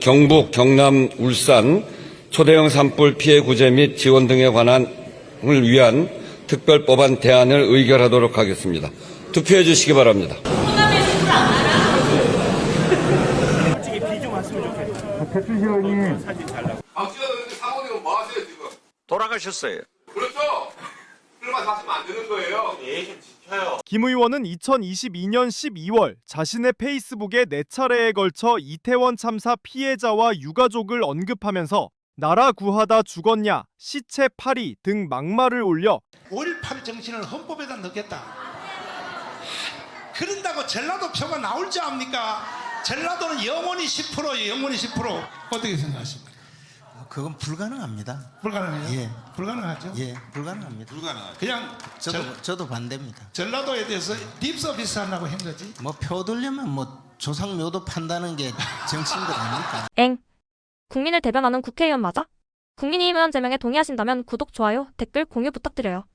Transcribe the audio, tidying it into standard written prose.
경북, 경남, 울산 초대형 산불 피해 구제 및 지원 등에 관한을 위한 특별법안 대안을 의결하도록 하겠습니다. 투표해 주시기 바랍니다. 배춘식 의원님. 박지원 의원님 사모님은 뭐 하세요 지금? 돌아가셨어요. 그렇죠? 그러면 하시면 안 되는 거예요. 좀 지켜요. 김 의원은 2022년 12월 자신의 페이스북에 4차례에 걸쳐 이태원 참사 피해자와 유가족을 언급하면서 나라 구하다 죽었냐, 시체 파리 등 막말을 올려 5.18 정신을 헌법에다 넣겠다. 그런다고 전라도 표가 나올 줄 압니까? 전라도는 영원히 10%예요. 영원히 10%. 어떻게 생각하십니까? 그건 불가능합니다. 불가능해요? 예. 불가능하죠? 예, 불가능합니다. 그냥 저도 반대입니다. 전라도에 대해서 립서비스 하려고 한 거지. 뭐 표들려면 뭐 조상묘도 판다는 게 정치인들 아닙니까? 엥. 국민을 대변하는 국회의원 맞아? 국민의힘 의원 제명에 동의하신다면 구독, 좋아요, 댓글, 공유 부탁드려요.